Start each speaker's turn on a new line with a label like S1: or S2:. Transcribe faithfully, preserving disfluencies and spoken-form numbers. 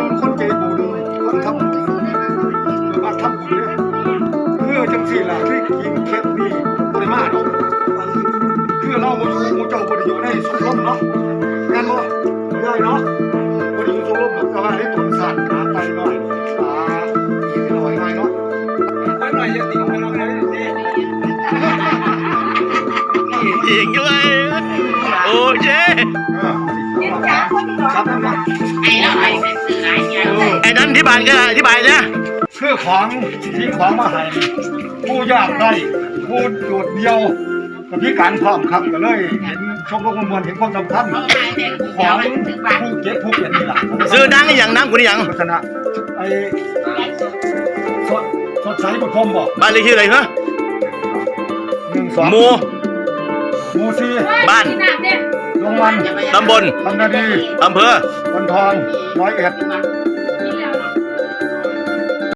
S1: คนใจบุญคนทำบุญมาทำบุญเนี่ยคือจังสี่ล่ะที่กินเค็มนี่ปริมาณเนาะคือเราโมยูโมเจ้าบริอยู่ในสมรมเนาะงานบ่ได้เนาะบริอยู่สมรมแบบกระว่าให้ตุนสัตว์หาไปหน่อยอ่ากินหน่อยหน่อยเนาะไปหน่อยจะติดไปเราเลย
S2: ยิงด้วยโอ้เจ๊ไอ้นั้นที่บ้านก็อธิบายนะ
S1: คือของที่ของมาให้ผู้ยากได้ผู้โดดเดียวกับพิการพร้อมครับก็เลยเห็นชมรมมวลเห็นความสำคัญของผู้เก็บผู้เก็บนี่แหละ
S2: ซื้อดังอย่างน้ำกุนี่อย่าง
S1: ชนะไอ้สดสดใสบุญพรมบอก
S2: บ้านเลขที่อะไรเหรอ
S1: หนึ่งสอง
S2: หมู่
S1: หมู่สี่
S2: บ้าน
S1: ลงมัน
S2: ตำบล
S1: บางนาดี
S2: อำเภอ
S1: คนทองร้อยเอ็ด